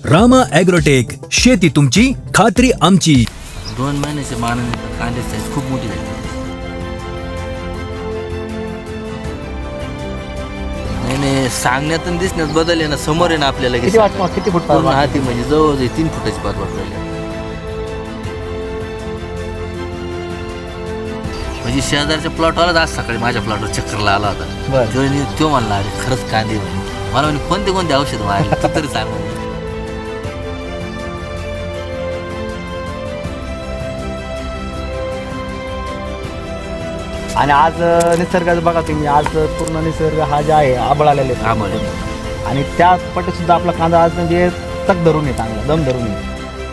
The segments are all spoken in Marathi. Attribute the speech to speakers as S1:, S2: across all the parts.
S1: रामा ॲग्रोटेक, शेती तुमची खात्री आमची.
S2: 2 महिन्याच्या मानाने कांद्याची साईज खूप मोठी झाली. नाही सांगण्यातून दिसण्यात बदल आहे ना, समोर आहे ना आपल्याला
S3: किती वाटतं किती फूट
S2: पूर्ण हाती म्हणजे जवळ 3 फुटाची पात वाटत राहिली. म्हणजे शेजारच्या प्लॉटवालाच आज सकाळी माझ्या प्लॉटवर चक्करला आला होता. तो म्हणला अरे खरंच कांदे म्हणे. मला म्हणे कोणते औषध मारले तू तरी सांग म्हणे.
S3: आणि आज निसर्गाचं बघा तुम्ही, आज पूर्ण निसर्ग हा जे आहे आबळ आलेले आणि त्या पटे सुद्धा आपला कांदा आज म्हणजे तक धरून आहे, चांगला दम धरून आहे.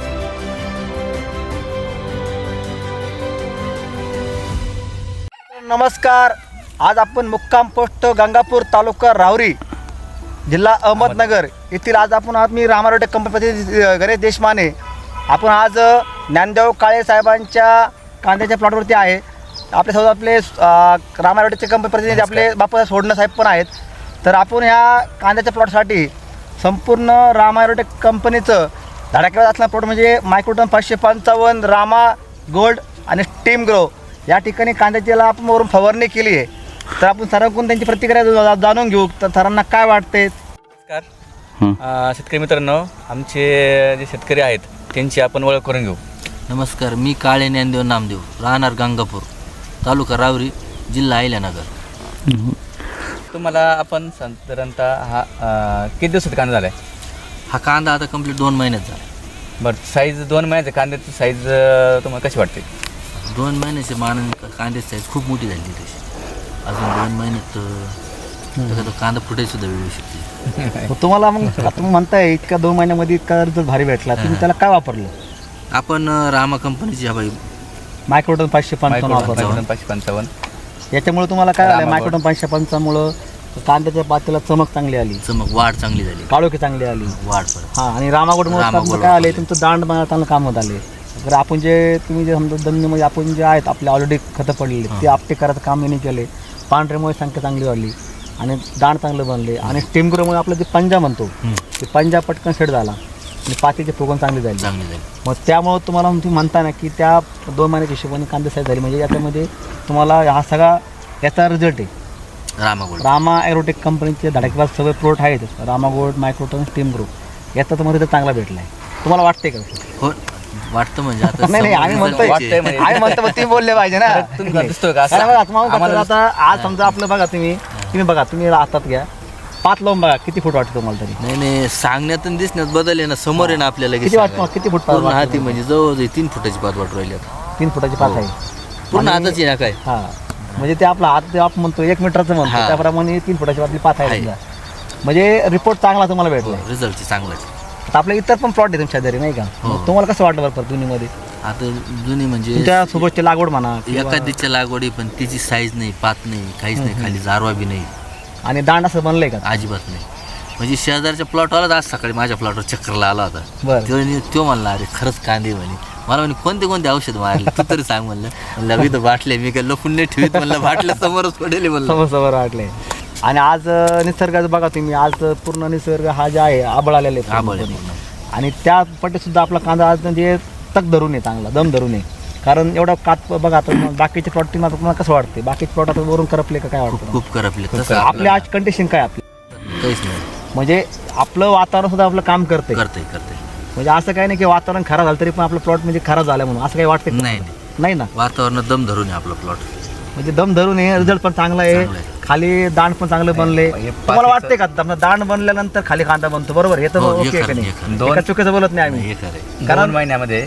S3: नमस्कार, आज आपण मुक्काम पोस्ट गंगापूर, तालुका राहुरी, जिल्हा अहमदनगर येथील आज आपण मी रामा ॲग्रोटेक कंपनी गणेश देशमाने. आपण आज ज्ञानदेव काळे साहेबांच्या कांद्याच्या प्लॉटवरती आहे. आपल्यासोबत आपले रामा ॲग्रोटेकचे कंपनी प्रतिनिधी आपले बापू सोडणं साहेब पण आहेत. तर आपण ह्या कांद्याच्या प्लॉटसाठी संपूर्ण रामा ॲग्रोटेक कंपनीचं धडाक्यावर असणारा प्लॉट म्हणजे मायक्रोटन 555, रामा गोल्ड आणि स्टीम ग्रो या ठिकाणी कांद्याच्याला आपण वरून फवारणी केली आहे. तर आपण सरांकडून त्यांची प्रतिक्रिया जाणून घेऊ. तर सरांना काय वाटते?
S4: नमस्कार शेतकरी मित्रांनो, आमचे जे शेतकरी आहेत त्यांची आपण ओळख करून घेऊ.
S2: नमस्कार, मी काळे ज्ञानदेव नामदेव, राहणार गंगापूर, तालुका राहुरी, जिल्हा अहिल्यानगर.
S4: तुम्हाला आपण साधारणतः हा किती दिवसात कांदा झाला आहे?
S2: हा कांदा आता कंप्लीट 2 महिन्यात झाला.
S4: बरं, साईज 2 महिन्याच्या कांद्याची साईज तुम्हाला कशी वाटते?
S2: 2 महिन्याच्या मानाने कांद्याची साईज खूप मोठी झाली तशी. अजून 2 महिन्यात तो कांदा फुटायला सुद्धा वेळ शकते.
S3: तुम्हाला मग तुम्ही म्हणताय इतका 2 महिन्यामध्ये इतका रिझल्ट भारी भेटला, तुम्ही त्याला काय वापरलं?
S2: आपण रामा कंपनीची हवाई
S3: मायक्रोटन 555 वापरलं.
S4: 555.
S3: याच्यामुळे तुम्हाला काय झालं? मायक्रोटन 555 कांद्याच्या पातीला चमक चांगली आली,
S2: वाढ चांगली झाली,
S3: काळोखी चांगली आली,
S2: वाढ परत.
S3: हां. आणि रामागोडमुळे काय आले, तुमचं दांड बनवताना कामात आले. तर आपण जे तुम्ही जे समजा दंडमध्ये आपण जे आहेत आपले ऑलरेडी खतं पडलेले ते आपटे करायचं काम नाही केले. पांढऱ्यामुळे संख्या चांगली वाढली आणि दांड चांगलं बनले. आणि स्टीम ग्रोमुळे आपलं जे पंजा म्हणतो ते पंजा पटकन सेट झाला आणि पातीची फुगवण चांगली झाली. मग त्यामुळं तुम्हाला तुम्ही म्हणता ना की त्या 2 महिन्याच्या हिशोबाने कांदा साईज झाली. म्हणजे याच्यामध्ये तुम्हाला हा सगळा याचा रिझल्ट आहे. रामा ॲग्रोटेक कंपनीचे धडाकेबाज सगळे प्रोडक्ट आहेत, Rama gold, microton, steam group, याचा तुम्हाला रिझल्ट चांगला भेटला आहे. तुम्हाला वाटते का?
S2: हो वाटतं. म्हणजे आता
S3: नाही आम्ही म्हणतोय आम्ही म्हणतो तुम्ही बोलले पाहिजे ना.
S4: दिसतोय का
S3: आता आज समजा आपलं बघा, तुम्ही बघा, तुम्ही हातात घ्या, पात लावून बघा किती फूट वाटतं तुम्हाला तरी?
S2: नाही सांगण्यातून दिसण्यात बदल आहे ना, समोर आहे ना आपल्याला
S3: किती वाटतं? किती फूट
S2: पूर्ण हाती म्हणजे जवळ 3 फुटाची पात वाटू राहिली.
S3: 3 फुटाची पात आहे
S2: पूर्ण हाताची ना काय.
S3: हा, म्हणजे ते आपला हात ते आपण म्हणतो 1 मीटरचं म्हणतो त्याप्रमाणे 3 फुटाची आपली पात आहे. म्हणजे रिपोर्ट चांगला तुम्हाला भेटला,
S2: रिझल्ट चांगला.
S3: आता आपल्या इतर पण प्लॉट आहे तुमच्या शेजारी नाही का? तुम्हाला कसं वाटलं बरं जुनीमध्ये?
S2: आता जुनी म्हणजे
S3: तुमच्या सोबतची लागवड म्हणा,
S2: एखादीच्या लागवडी पण तिची साईज नाही, पात नाही, काहीच नाही, खाली जारवा बी नाही
S3: आणि दांड असं बनलंय का?
S2: अजिबात नाही. म्हणजे शेजारच्या प्लॉटवालाच आज सकाळी माझ्या प्लॉटवर चक्करला आला होता. तो म्हणला अरे खरंच कांदे म्हणे. मला म्हणे कोणते औषध मारले तू तरी सांग म्हणलं. मी तर बाटले मी काय लपून नाही ठेवीत म्हणलं, बाटल्या समोरच पडेल म्हणलं.
S3: समोर वाटले. आणि आज निसर्गाचं बघा तुम्ही, आज पूर्ण निसर्ग हा जे आहे आबळ आलेले आणि त्या पटे सुद्धा आपला कांदा आज म्हणजे तक धरून आहे, चांगला दम धरून आहे. कारण एवढा कात बघा आता बाकीचे प्लॉट तुम्हाला कसं वाटते? बाकीचे प्लॉट आता वरून करपले का काय वाटतं?
S2: खूप करपले.
S3: आपली आज कंडिशन काय आपली?
S2: काहीच नाही.
S3: म्हणजे आपलं वातावरण सुद्धा आपलं काम करते. म्हणजे असं काही नाही की वातावरण खराब झालं तरी पण आपलं प्लॉट म्हणजे खराब झालं म्हणून असं काही वाटतं? नाही ना,
S2: वातावरण दम धरून आहे आपलं प्लॉट.
S3: म्हणजे दम धरून आहे, रिझल्ट पण चांगला आहे, खाली दांड पण चांगले बनले. तुम्हाला वाटते का दांड बनल्यानंतर खाली कांदा बनतो? बरोबर, हे तर ओके का नाही? चुकीचं बोलत नाही आम्ही.
S4: 2 महिन्यामध्ये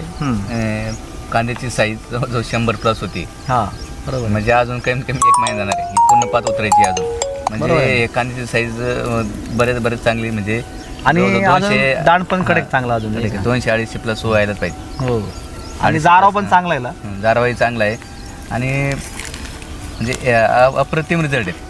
S4: कांद्याची साईज जवळजवळ 100+ होती.
S3: हा बरोबर.
S4: म्हणजे अजून कमीत कमी 1 महिना जाणार आहे, पूर्ण पात उतरायची अजून. म्हणजे कांद्याची साईज बरेच चांगली. म्हणजे
S3: आणि दांड पण कडक चांगला अजून
S4: 200-250+ व्हायलाच पाहिजे.
S3: हो. आणि जाराव पण चांगला आहे,
S4: जारवाही चांगला आहे आणि म्हणजे अप्रतिम रिझल्ट आहे.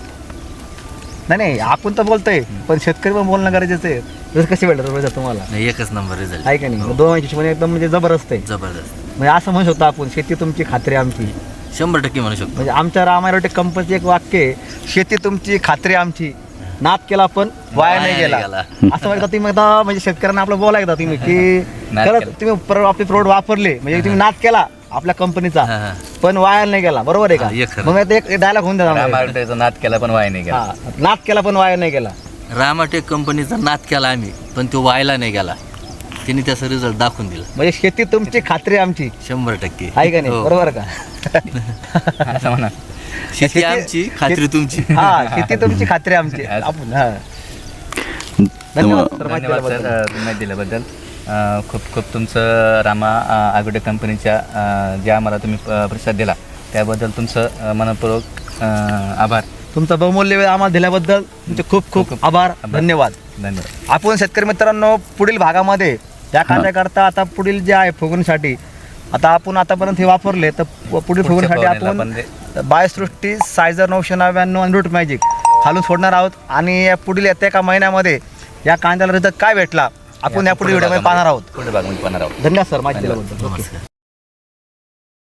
S3: नाही आपण तर बोलतोय पण शेतकरी पण बोलणं गरजेचं आहे. जसं कशी भेटत तुम्हाला?
S2: एकच नंबर रिझल्ट
S3: आहे का नाही? 2 महिन्याची एकदम म्हणजे जबरदस्त आहे. म्हणजे असं म्हणू शकतो आपण, शेती तुमची खात्री आमची.
S2: 100% म्हणू शकतो.
S3: म्हणजे आमच्या रामा ॲग्रोटेक कंपनीचं एक वाक्य आहे, शेती तुमची खात्री आमची. नाद केला पण वाया नाही गेला
S2: गेला.
S3: असं वाटतं तुम्ही एकदा म्हणजे शेतकऱ्यांना आपलं बोलायचं तुम्ही की
S4: नाद
S3: खरंच
S4: केला.
S3: तुम्ही आपले प्रोडक्ट वापरले म्हणजे तुम्ही नाद केला आपल्या कंपनीचा
S2: हा, हा.
S3: पण वाया नाही गेला बरोबर आहे
S2: हा, हे
S3: का
S2: खरं.
S3: मग आता एक डायलॉग होऊन द्या
S4: रामारोटेचा नाद केला पण वाया नाही गेला.
S3: हा नाद केला पण वाया नाही गेला
S2: रामाटेक कंपनीचा नाद केला आम्ही पण तो व्हायला नाही गेला. तिने त्याचा रिझल्ट दाखवून दिला
S3: म्हणजे शेती तुमची खात्री आमची
S2: 100%.
S3: आहे का नाही
S2: हो.
S3: बरोबर का
S4: असं म्हणा.
S2: शेती आमची खात्री तुमची.
S3: हा शेती तुमची खात्री आमची आपण हा धन्यवाद सर माहिती
S4: धन्यवाद
S3: दिल्याबद्दल.
S4: सर माहिती दिल्याबद्दल. खूप खूप तुमचं रामा ॲग्रोटेक कंपनीच्या जे आम्हाला तुम्ही प्रतिसाद दिला त्याबद्दल तुमचं मनपूर्वक आभार.
S3: तुमचा बहुमूल्य वेळ आम्हाला दिल्याबद्दल तुमचे खूप खूप आभार धन्यवाद.
S4: धन्यवाद.
S3: आपण शेतकरी मित्रांनो पुढील भागामध्ये या कांद्याकरता आता पुढील जे आहे फुगवणीसाठी आता आपण आतापर्यंत हे वापरले तर पुढील फुगवणीसाठी
S4: फवारणीला
S3: आपण बायोसृष्टी सायझर 999 आणि रूट मॅजिक खालून सोडणार आहोत आणि या पुढील येत्या एका महिन्यामध्ये या कांद्याला रिझल्ट काय भेटला आपण या पुढील व्हिडिओमध्ये पाहणार आहोत.
S4: पुढे भागामध्ये पाहणार आहोत.
S3: धन्यवाद सर माहिती दिल्याबद्दल.
S2: नमस्कार.